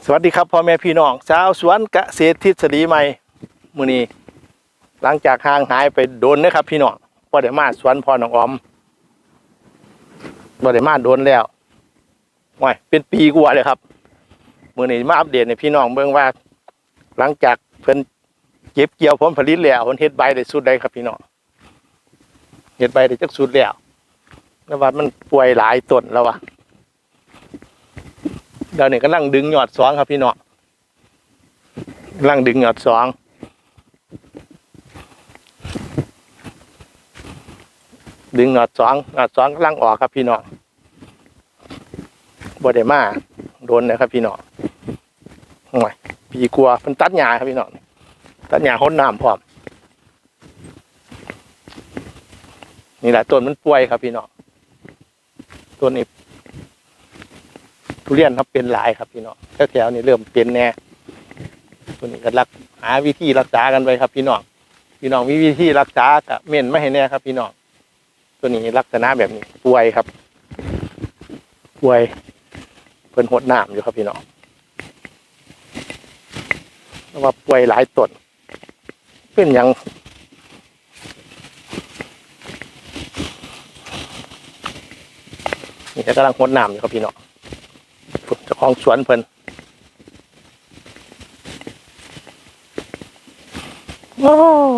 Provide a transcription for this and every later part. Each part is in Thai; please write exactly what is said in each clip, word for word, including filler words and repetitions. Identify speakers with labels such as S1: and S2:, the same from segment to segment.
S1: สวัสดีครับพ่อแม่พี่น้องชาวสวนเกษตรทฤษฎีใหม่มื้อนี้หลังจากห่างหายไปโดนนะครับพี่น้องบ่ได้มาสวนพ่อน้องออมบ่ได้มาโดนแล้วว้ายเป็นปีกว่าเลยครับมื้อนี้มาอัปเดตให้พี่น้องเบิ่งว่าหลังจากเพิ่นเก็บเกี่ยวผลผลิตแล้วเพิ่นเฮ็ดใบได้สุดใดครับพี่น้องเฮ็ดใบได้จักสุดแล้วแล้วว่ามันป่วยหลายต้นแล้วว่ะเดี๋ยวนี้กำลังดึงยอดสองครับพี่น้องกำลังดึงยอดสองดึงยอดสองยอดสองกำลังออกครับพี่น้องบ่ได้มาโดนนะครับพี่น้องโอ้ยปีกลัวมันตัดหญ้าครับพี่น้องตัดหญ้าห้นน้ำพร้อมนี่แหละต้นมันป่วยครับพี่น้องต้นนี้ทุเรียนครับเป็นหลายครับพี่น้องแถวๆนี้เริ่มเป็นแน่ตัวนี้ก็รักหาวิธีรักษากันไปครับพี่น้องพี่น้องมีวิธีรักษากับเม่นไม่ให้แน่ครับพี่น้องตัวนี้ลักษณะแบบนี้ป่วยครับป่วยเพิ่นหดน้ำอยู่ครับพี่น้องเพราะว่าป่วยหลายต้นเป็นอย่างนี่กำลังหดน้ำอยู่ครับพี่น้องเจ้าของสวนเพิ่นโอ้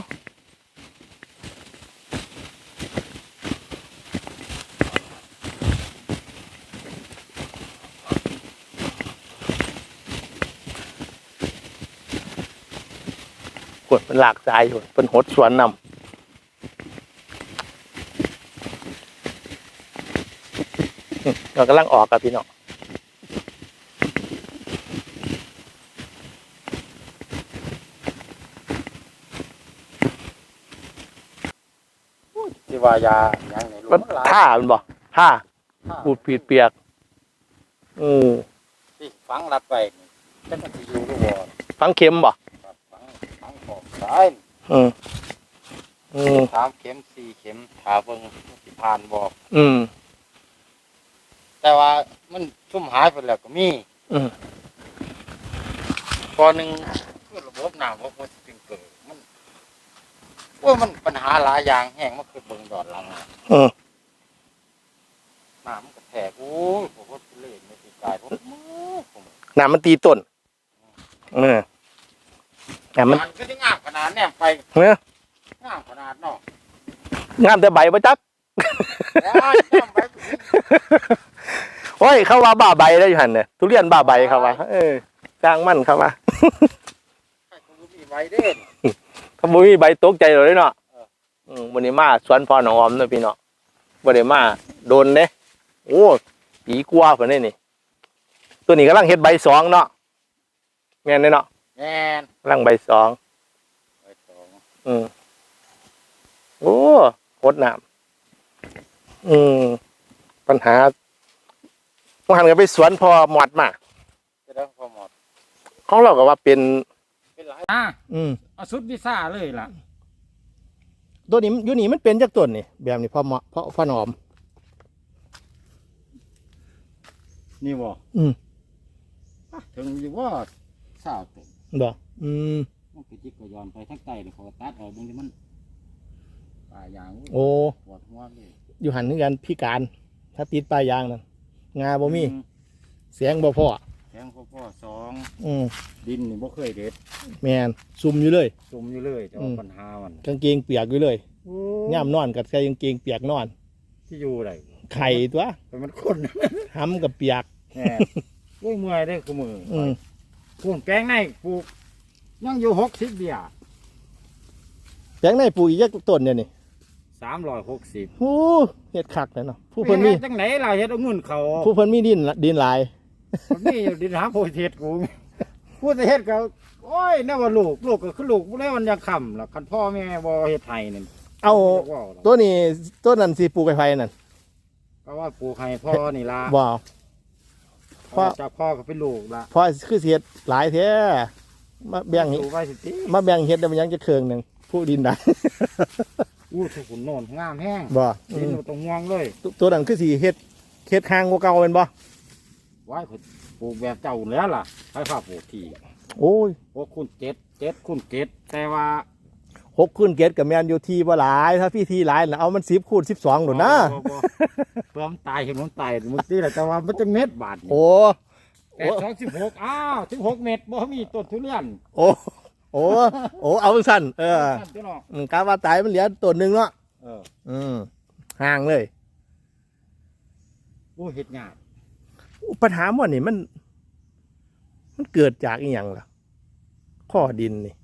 S1: กดเป็นหลากสายอยู่เป็นหดสวนนำเรากำลังออกกับพี่น้อง
S2: ที่ว่ายาอย่างไหนรู้
S1: มันท่ามันบ่ท่าปูดปีดเปียกอือ
S2: ที่ฝังรัดไว้จะมันจะอยู่หรือบ่
S1: ฟังเข็มบ่
S2: ครับฝังฝังขอบซ้าย
S1: อืมอืม
S2: สามเข็มสี่เข็มถาเบิ่งสิผ่านบ่
S1: อืม
S2: แต่ว่ามันชุ่มหายไปแล้วก็มี
S1: อืม
S2: พอหนึ่งคือระบบน้ำระบบสปริงเกอร์มันโอ้ยมันปัญหาหลายอย่างแห้งมันคือเบิ่งดอดหลัง
S1: อืม
S2: น้ำมันกระแทกโอ้ยผมว่าเล่นไม่ติดกายผมผม
S1: น้ำมันตีต้นเออแต่มัน
S2: มันก็ได้งามขนาดแนมไป
S1: เนอะ
S2: งามขนาดเนาะ
S1: งามแต่ใบบ่จัก
S2: แล้วงามไป
S1: โอ้ยเขาว่าบ้าใบได้อยู่หั่นเนี่ยทุเรียนบ้าใบเขาว่าเออจ้างมันเขาว่า
S2: ใครก็มีใบเด่น
S1: ถ้าบ่มีใบตกใจเลยเนาะอืมวันนี้มาสวนพ่อน้องออมเนาะพี่เนาะบ่ได้มาโดนเด้โอ้ปีกว่าพุ่นนี่นี่ตัวนี้กำลังเฮ็ดใบสองเนาะแม่นเด้เนาะ
S2: แม่น
S1: กำลังใบสอง
S2: ใบสอง
S1: อืมโอ้หดน้ำอืมปัญหาต้องหันกันไปสวนพอหมดมา
S2: จะได้พอหมด
S1: ของเราก็ว่าเป็น
S2: เป็นหลาย
S3: อ่า
S1: อืม
S3: เอาสุดวิซ่าเลยล่ะ
S1: ตัวนี้อยู่นี่มันเป็นจากต้นนี่แบบนี้พอเหมาะเพราะพอหนอม
S2: นี่บ่
S1: อืม
S2: ถึงอยู่ว่าสาวตุ่ม
S1: บ่อืม
S2: มันคือจิกก็ย้อนไปทั้งใต้เลยเขาตัดออกบางทีมันป่ายาง
S1: โอ้
S2: ปวดหัวเลย
S1: อยู่หันนึกันพิการ ถ้าติดปลายยางนั่นงาบ่มี
S2: อื
S1: เสียงบ่พอ
S2: แทงพ่อพ่อสอง
S1: อืม
S2: ดินนี่บ่เคยเด็ด
S1: แมนซุ่มอยู่เลย
S2: จุ่มอยู่เลยจะ
S1: อื
S2: เอา
S1: ม
S2: ปัญหามัน
S1: กางเกงเปียกอยู่เลยย่ามนอนกับใส่กางเกงเปียกนอน
S2: ที่อยู่ไร
S1: ไข่ตัว
S2: เป็นมันคน
S1: ห้ำกับเปียก
S2: แหน่เมื่อยเมื่อยได้คือมือ
S1: อืม
S2: ปลูกแปลงในปลูกยังอยู่หกสิบเบีย
S1: แปลงในปลูกอีกจักต้นเนี่ยนี่
S2: สามร้อยหกสิบ
S1: โอ้เฮ็ดคักเลยเนาะผู้เพิ่นมี
S2: จังไหนล่ะเฮ็ดเอาเงินเขา
S1: ผู้เพิ่นมีดินละดินหลาย
S2: มันมีอยู่ดินหาโพธิเทศกูพูดแต่เฮ็ดเขาโอ้ยน่าว่าลูกลูกก็คือลูกบ่ได้มันยังค่ำล่ะคันพ่อแม่บ่เฮ็ดไห้นี่
S1: เอา
S2: ว้าวล่ะ
S1: ตัวนี้ต้นนั้นสิปลูกไฟนั่น
S2: ก็ว่าปลูกให้พ่อนี่ล่ะ
S1: บ่เอาพ่อ
S2: จากพ่อก็เป็นลูกล่ะ
S1: เพราะคือสิเฮ็ดหลายแท้มาแบ่ง
S2: ปลูกไว้สิติ
S1: มาแบ่งเฮ็ดได้มันยังจะเครื่องหนึงผู้ดินได้
S2: อู้ทุกคนโน่นงามแห้ง
S1: บ่
S2: ดินบ่ต้องห่วงเลย
S1: ตัวตัวนั้นคือสิเฮ็ดเฮ็ดข้างกว่าเก่าแม่นบ่
S2: ไว้คนไปปลูกแบบเจ้าแล้วล่ะให้ข้าปลูกที่
S1: โอ้ย
S2: หกคูณเจ็ดเจ็ดคูณเจ็ดแต่ว่า
S1: หกคูณเกตกับแมนอยู่ทีบ่หลายถ้าพี่ทีหลายน่ะเอามันสิบคูณสิบสองหนุนนะ
S2: บ่บ่บ่เพื่อมันตายเห็นมันตายมันตีแหละแต่ว่ามันจะเม็ดบาทนี่
S1: โอ้
S2: แปดสองสิบหกอ้าวสิบหกเม็ดบ่มีต้นทุเรียน
S1: โอ้โอ้โอ้เอาสั้นเออ
S2: นั่นเจ้าเนาะ
S1: อืมกาว่าตายมันเหลือตัวหนึ่งเนาะ
S2: เออ
S1: อืมห่างเลย
S2: โอ้เฮ็ดยาก
S1: ปัญหาหมดนี่มัน มันเกิดจากอีหยังล่ะข้อดินนี่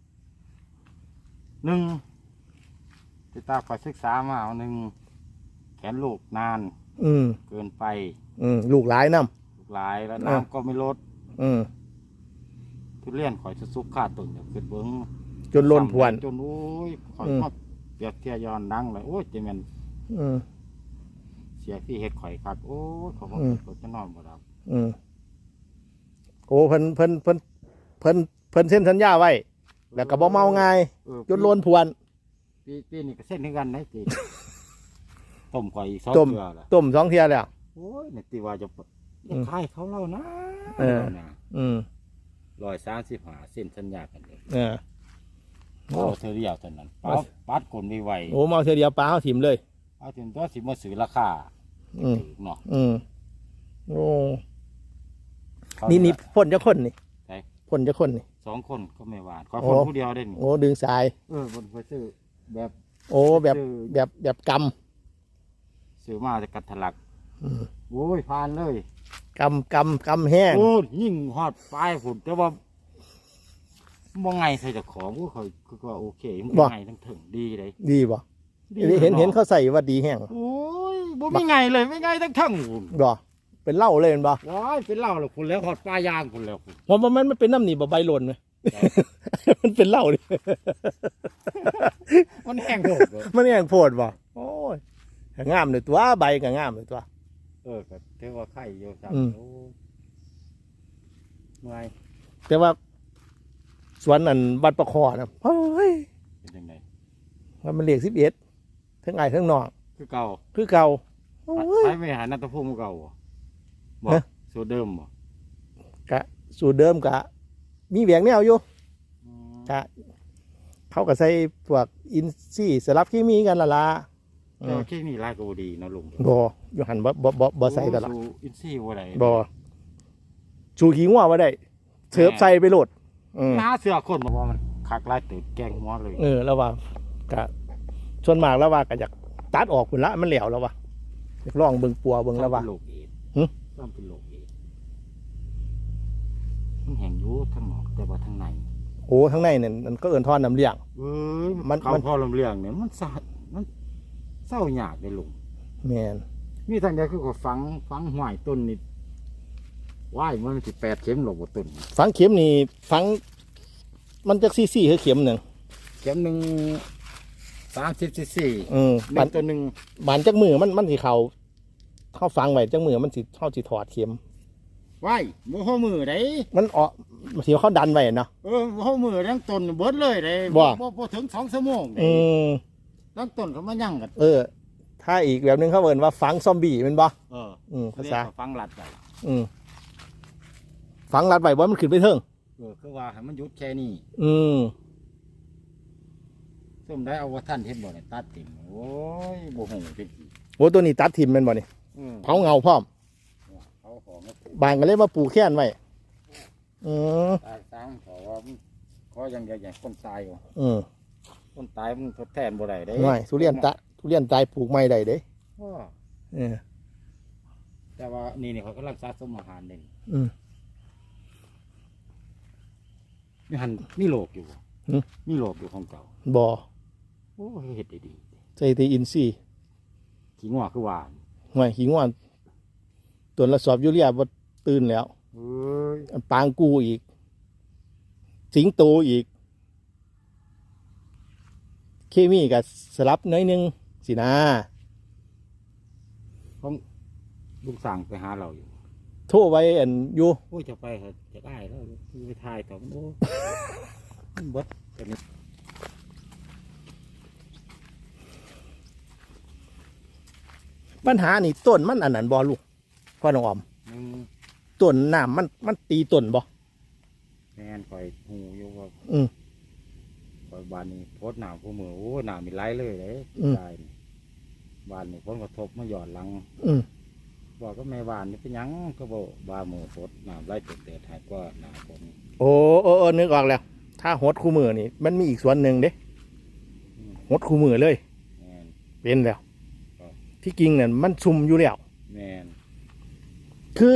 S2: หนึ่งที่ตาคอยศึกษามาเอาหนึ่งแขนลูกนาน
S1: อืม
S2: เกินไป
S1: อืมลูกหลายน้
S2: ลูกหลายแล้ว
S1: เออ
S2: น้ำก็ไม่ลด
S1: ำอืม
S2: ทุเรียนข่อยจะซุกขาดต้นเดี๋ยวเกิดเบิ้ง
S1: จนล้นพวน
S2: จนโอ้ยข่อย
S1: อืม
S2: มาเปรียบเทียย้อนดังเลยโอ้ยจะแม่น
S1: อืม
S2: เสียที่เฮ็ดข่อยครับโอ้ยเขาบอก
S1: อืม
S2: เขาจะนอนบ่หลับ
S1: อืมโอ้เพิ่นเพิ่นเพิ่นเพิ่นเพิ่นเซ็นสัญญาไว้ แล้วก็บ่เมาง่าย
S2: เออ
S1: จนล้นพวน
S2: ปีปีนี้ก็เส้นถึงกันนะจี ต้มข่อยอีกสอง
S1: ต้ม
S2: เกลือละ
S1: ต้มสองเทียแล้ว
S2: โอ้ยเนี่ยตีว่าจะ
S1: อื
S2: จะ
S1: ม
S2: ขายเขาเล่านะ
S1: เออ
S2: นะ
S1: อืม
S2: ร้อยสามสิบห้าเส้นสัญญากันเลย
S1: เออ
S2: โอ้เธอเรียวเท่านั้นปัดปัดกลนไว
S1: โอ้เมาเทียเดียวปลาเขาถิ่มเลย
S2: ๆเอาถึงตัวสิมาซื้อราคา
S1: อืม
S2: ถูกเนาะ
S1: อืมโอ้
S2: เขา
S1: นี่นี่
S2: เย
S1: พ่นจะคนนี่
S2: ใช่
S1: พ่นจะคนนี่
S2: สองคนก็ไม่หวานขอ
S1: โอ้
S2: คนผู้เดียวได้นี่
S1: โอ้ดึงสาย
S2: เออบนไปซื้อแบบ
S1: โอ้แบบ
S2: ซื้อ
S1: แบบแบบก
S2: ซื้อมาจะกัดถลัก
S1: ำอืม
S2: โอ้ยผ่านเลย
S1: กำกำกำแห้ง
S2: โอ้ยยิ่งฮอดปลายผุนแต่ว่าบ่ไงใส่เจากของก็ค่อยคือว่าโอเคมันไงทั้งถึงดีเลย
S1: ดีบ่
S2: ดี
S1: เห็นเห็น
S2: นาะ
S1: เขาใส่ว่าดีแห้ง
S2: โอ้ยบ่มีไงเลยไม่ไงทั้งทั้งพุ่น
S1: บ่เป็นเหล้าเลยเห็นบ่
S2: ว้ายเป็นเหล้าแล้วคุณแล้วฮอดปลายางคุณแล้วคุณ
S1: ผมว่ามันมันเป็นน้ำหนีบ่ใบหล่นไหม มันเป็นเหล้าดิ
S2: มันแห้งโหดเลย
S1: มันแห้งโพดบ่โอ้ยก็งามเลยตัวใบก็งามเลยตัว
S2: เออก็ถือว่าไข่อยู่ครับ
S1: อืม
S2: โอ้เมื่อย
S1: แต่ว่าสวนนั่นวัดประคอนะเฮ้ย
S2: เป็นยังไง
S1: ว่ามันเลขสิบเอ็ดทั้งไอ้ทั้งนอก
S2: คือเก่า
S1: คือเก่าโอ้ย
S2: ใช้ไม่หานัตภูมิเก่าบ่บ่
S1: ฮะ
S2: สูตรเดิมบ่
S1: กะสูตรเดิมกะ มีแหวงแนวอยู่
S2: อืม
S1: กะเขาก็ใส่พวกอินซีย์สลับเคมีกันละละอื
S2: แต่
S1: ม
S2: ว่าที่นี่ลายก็บ่ดีเนาะลุง
S1: บ่อยู่หันบ่บ่บ่บ่ใส่ตลอด
S2: โอ้สู่อินซี่บ่ได้
S1: บ่ชูขี้งัวมาได้เถิบใส่ไปโหลดอืม
S2: หาเสื้อคนบอกว่ามันคักลายตื่นแกงหัวเลย
S1: เออแล้วว่ากะส่วนมากแล้วว่าก็อยากตัดออกพุ่นละมันแหลวแล้วว่ะอยากลองเบิ่งปัวเบิ่งแล้วว่า
S2: เป็นโรคเอดส์
S1: หึ
S2: ต้องเป็นโรคเอดส์มันแห้งอยู่ทั้งนอกแต่ว่าทั้งใน
S1: โอ้ข้างในนั่นมันก็เอิ้นทอนน้ำเลี้ยง
S2: เอ้ย
S1: มัน
S2: เขา
S1: มัน
S2: พอลำเลียงเนี่ยมันสะมันเศร้าหยากเลยลุง
S1: แม่น
S2: มีทางใดคือก็ฟังฟังห้วยต้นนี่ว่ายมันสิแปดเข็มหลบต้น
S1: ฝังเข็มนี่ฝัง มันจะซี่ซี่คือเข็มหนึ่ง
S2: เข็มหนึ่งสามสิบซีซี
S1: อืม
S2: ห
S1: บา
S2: นึ่
S1: น
S2: งตัวหนึ่ง
S1: บานจักมือมันมันสิเขาเข้าฟังไว้จักมือมันสิเข้าสิถอดเข็ม
S2: ว่ายโมโหมือได้
S1: มันออกสิเขาดันไว้เนาะ
S2: เออโมโหมือทั้งต้นเบิดเลยได้
S1: บ่
S2: บ่บ่ถึงสองชั่วโมงได้
S1: อืม
S2: ทั้งต้นเขามายั่งกัน
S1: เออ ถ้าอีกแบบหนึงเขาเอิ้นว่าฝังซอมบี้แมันบ่
S2: เออ
S1: อืมภาษา
S2: เรียกว่ฟังหลัดไป
S1: อืมฝังรัดไว้บ่มันขึ้นไปเทิง
S2: เออคือว่าให้มันหยุดแค่นี้
S1: อืม
S2: ส้มได้เอาว่าท่านเห็นบ่เนี่ยตัดติ่มโอ้ยบ่หูเป็นอีก
S1: โอ้ตัวนี้ตัดทิ่มแม่นบ่นี่
S2: อืม
S1: เผาเงาพร้อม
S2: เขาของมาปลูก
S1: บานก็เลยมาปลูกแค้นไว้อืม
S2: ตายสร้างขอว่ามันขออย่างเดียวอย่างคนตายว่ะ
S1: อืม
S2: คนตายมันทดแทนบ่ได้เด้
S1: ง่ายทุเรียนตะทุเรียนตายปลูกใหม่ได้เด้
S2: อ้อ
S1: เออ
S2: แต่ว่านี่นี่เขากำลังสะสมอาหารเด่น
S1: อืม
S2: มีหันมีโลกอยู่บ่
S1: หึ
S2: มีโลกอยู่ของเก่า
S1: บ่
S2: โอ้ยเฮ็ดได้ดี
S1: ใส่ตีอินซีย์
S2: ขี้งัวคือหวาน
S1: ห่วยหิงว่าตัวละสอบยูเรียบ่ตื่นแล้ว
S2: เอ้ย
S1: ปางกูอีก สิงโตอีก เคมีกับสลับน้อยหนึงสินะ
S2: ของลูกสั่งไปหาเราอยู่
S1: โทรไว้อันอยู่
S2: โอ้ยจะไปเหอะจะได้แล้วไปถ่ายต่อมันโอ้มันเบิดตัวนี้
S1: ปัญหานี่ต้นมันอันนั้นบ่ลูกพ่อน้องออม
S2: หนึ่ง
S1: ต้นน้ำมันมันตีต้นบ่
S2: แม่นคอยหูอยู่ว่า
S1: อืม
S2: คอยบ้านนี้โพดน้ำผู้มือโอ้น้ำมีไหลเลยเลย
S1: อืม
S2: ได้นี่บ้านนี้ผลกระทบมาหย่อนหลัง
S1: อืม
S2: บอกก็แม่บ้านนี่เป็นหยังก็บอกบ้ามือโพดน้ำไหลเต็ดๆหายกว่าน้ำฝน
S1: โอ้โอ้โอ้นึกออกแล้ว ถ้าหดคู่มือนี่มันมีอีกส่วนหนึ่งเด้
S2: อืม
S1: หดคู่มือเลย
S2: แม่น
S1: เป็นแล้ว
S2: ครับ
S1: ที่จริงเนี่ยมันซุ่มอยู่แล้ว
S2: แม่น
S1: คือ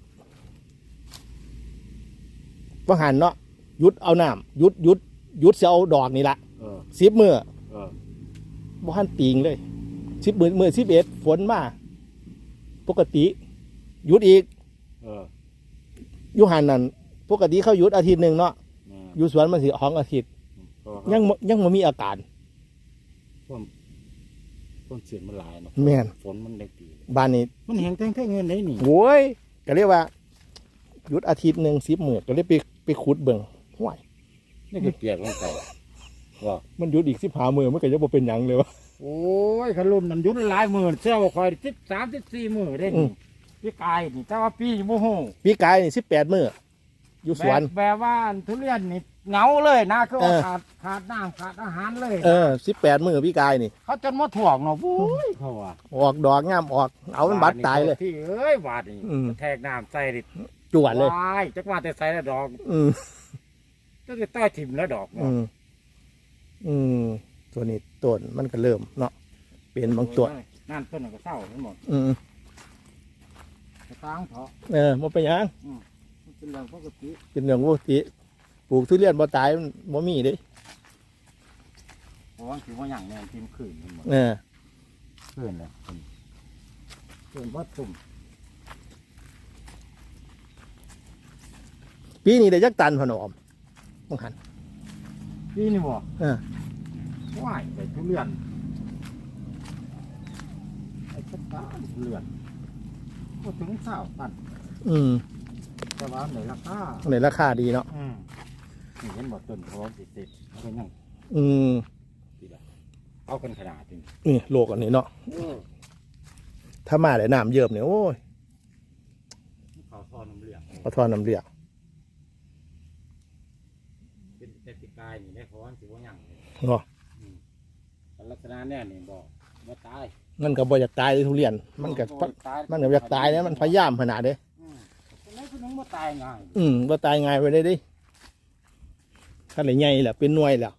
S1: ว่าหันเนาะหยุดเอาน้ำหยุดหยุดหยุดเสียเอาดอกนี่ละ
S2: เออ
S1: สิบมือ
S2: เออ
S1: บ่หันติงเลยสิบมือมือสิบเอ็ดฝนมาปกติหยุดอีก
S2: เออ
S1: อยู่หันนั่นปกติเขาหยุดอาทิตย์หนึ่งเนาะ
S2: แม่น
S1: อยู่สวนมันสิของอาทิตย์
S2: เพราะว่า
S1: ยังบ่ยังไม่มีอาการ
S2: ความความเสียงมันหลายเนาะ
S1: แม่น
S2: ฝนมันได้ตี
S1: บ้านนี้
S2: มันแหงแทงแค่เงินได้นี่
S1: โว้ยก็เรียกว่าหยุดอาทิตย์หนึ่งสิบมือก็เลยไปไปขุดเบิ่งห้วย
S2: นี่ก็เปียกลงไปว่า
S1: มันหยุดอีกสิบหามือมันก็ยังบ่เป็นหยังเลยวะ
S2: โอ้ยขลุ่มนันยุดหลายหมื่นเสื้อคอยสิบสามสิบสี่หมื่นได้
S1: อื
S2: นี่
S1: ม
S2: พี่กายนี่แต่ว่าปีโมโห
S1: ปีกายนี่สิบแปดมืออยู่สวน
S2: แบบแบบว่าทุเรียนนี่เหงาเลยนะคือว่า
S1: เออ
S2: ขาดขาดน้ำขาดอาหารเลย
S1: เออสิบแปดมือปีกายนี่
S2: เขาจนมาถ่วงเนาะโอ้ยเขาว่า
S1: ออกดอกงามออกเอามันบัดตายเลย
S2: ที่เอ้ยบาดนี่
S1: อืม
S2: แทกน้ำใส่ดิ
S1: จวดเลย
S2: ว้ายจักว่าแต่ใส่แล้วดอก
S1: อืม
S2: ก็จะต้อยถิ่มแล้วดอก
S1: อืมอืมตัวนี้ต้นมันก็เริ่มเนาะเป็นบางตัว
S2: นั่นต้นนนก็เศร้าทั้งหมด
S1: อืม
S2: กระตั้งเถาะ
S1: เออมันเป็นหยัง
S2: มันเป็นเรื่องปกติ
S1: เป็นเรื่องปกติปลูกทุเรียนบ่ตายมันบ่มีเด้
S2: เพราะว่าถือว่าอย่างแน่นทีมขืนทั้งหมด
S1: เออ
S2: ขืนเลยขืนวัดตุ่ม
S1: ปีนี้ได้จักตันพะนอมบังหัน
S2: พี่นี่บ่
S1: เออ
S2: ว่ายใส่ทุเรียนไอ้ชัดบ้านทุเรียนก็ถึงเศร้าตัน
S1: อืม
S2: แต่ว่าในราคา
S1: ในราคาดีเนาะ
S2: อืมนี่เห็นบ่ต้นพร้อมสิสิเอาไปนั่ง
S1: อืม
S2: ดีละเอากันขนาดนี้
S1: นี่โลกอันนี้เนาะถ้ามาได้น้ำเยิบเนี่ยโอ้ย
S2: เขาทอน้ำเหลือง
S1: ปลาทอนน้ำเรียก
S2: เป็นแต่ติกายนี่ได้พร้อมสิว่าหยังเลย
S1: เนาะ
S2: แต่ลักษณะแน่นี่บ่บ่ตาย
S1: มันก็บ่อยากตายเลยทุเรียน มันก็
S2: บ่ตาย
S1: มันก็อยากตายเนี่ยมันพยายามขนาดเด้
S2: อืมคนไหนคนหนึงบ่ตายง่าย
S1: อืมบ่ตายง่ายไปได้ดิถ้าไหนใหญ่แหละเป็นหน่วยแล้ว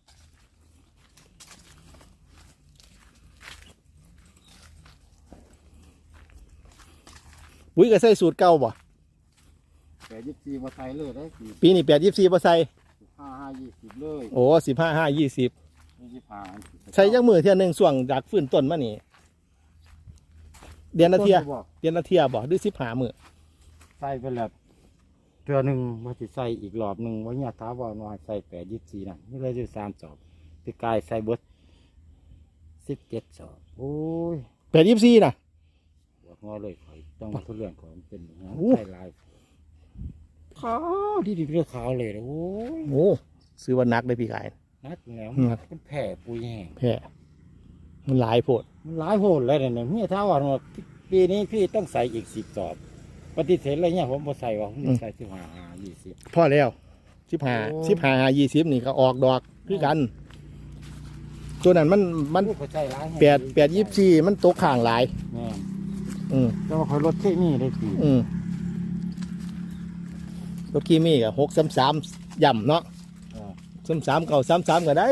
S1: ปุ๋ยก็ใส่สูตรเก่าบ่
S2: แต่ยี่สิบสี่บ่ใส่เลยได้สี่
S1: ปีนี้แปดยี่สี่บ่ใส่
S2: ห้าห้ายี่สิบเลย
S1: โอ้สิบห้าห้ายี่สิบ
S2: ยี่สิบห้า
S1: ใช้ยักมือเทียหนึ่งส่วงจากฟื้นต้นมานี่เดือนละเทีย
S2: บ่
S1: เดือนละเทียบ่หรือสิบห้ามือ
S2: ใส่ไปแล้วเทื่อหนึงว่าสิใส่อีกรอบหนึงว่าเนี่ยถามว่าว่าใส่แปดยี่สิบสี่น่ะนี่เลยอยู่สามสอบติกายใส่เบิดสิบเจ็ดสอบโอ้ย
S1: แปดยี่สี่นะ
S2: บวกงอเลยข่อยต้องมาทุเรื่องของเป็นอย่างนั้น
S1: โอ้
S2: ใส่ลายขาวที่ดีเรื่องขาวเลยนะโอ้ย
S1: โอ้ซื้อวันนักเลยพี่กาย
S2: นัดแล้ว
S1: อืม
S2: มันแผ่ปุยแห้ง
S1: แพ้มันหลายโพด
S2: มันหลายโหดเลยเนี่ยเมียท้าว่าว่าปีนี้พี่ต้องใส่อีกสิบสอบปฏิเสธอะไรเนี่ยผมบ่ใส่ว่าผมใส่สิบห้ายี่สิบ
S1: พอแล้วสิบห้า
S2: โอ้
S1: สิบห้ายี่สิบนี่ก็ออกดอกคือกัน ตัวนั้นมันมัน
S2: ใส่ร้าย
S1: แปดแปดยี่สี่มันตกข้างหลาย
S2: แม่
S1: อืม
S2: แต่ว่าคอยลดเคมีได้ปี
S1: อืมตัวกี้มีกับหกสามสามย่ำเนาะ
S2: เออ
S1: สามสามเก่าสามสามก็ได้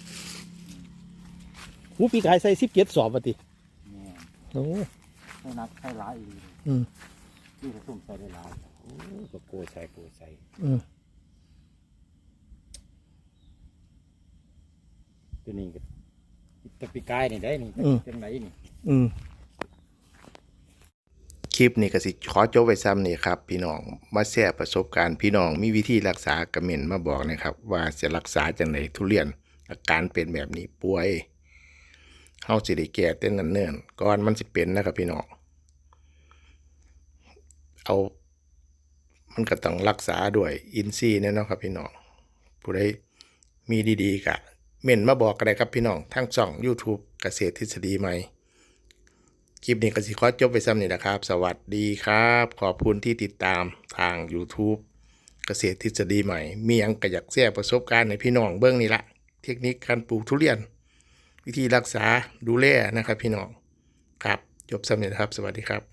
S1: หูปีกายใส่สิบเจ็ดสอบปฏิ
S2: แม่
S1: โอ้
S2: ใส่นักใส่ร้ายอีก
S1: อืม
S2: ที่ผสมใส่ได้หลายโอ้ก็โกยใส่โกยใส่
S1: อืม
S2: ตัวนี้ก็ตะปีกายนี่ได้นี่จังไหนนี่
S1: อืมคลิปนี้ก็สิขอจบไว้ซ้ำนี่ครับ พี่น้องมาแชร์ประสบการณ์พี่น้องมีวิธีรักษากระเหม็นมาบอกนะครับ ว่าจะรักษาจังไดทุเรียน อาการเป็นแบบนี้ป่วยเฮาสิได้แก้แต่เนิ่นๆก่อนมันสิเป็นนะครับพี่น้องเอามันก็ต้องรักษาด้วยอินทรีย์แน่เนาะครับพี่น้องผู้ใดมีดีๆก็เม่นมาบอกกันได้ครับพี่น้องทั้งช่อง YouTube เกษตรทฤษฎีใหม่คลิปนี้ก็สิขอจบไปซ้ำนี่แหละครับ สวัสดีครับ ขอบคุณที่ติดตามทาง YouTube เกษตรทฤษฎีใหม่ มีหยังก็อยากแชร์ประสบการณ์ให้พี่น้องเบิ่งนี่ละเทคนิคการปลูกทุเรียน วิธีรักษาดูแลนะครับพี่น้องครับจบซ้ำนี่นะครับ สวัสดีครับ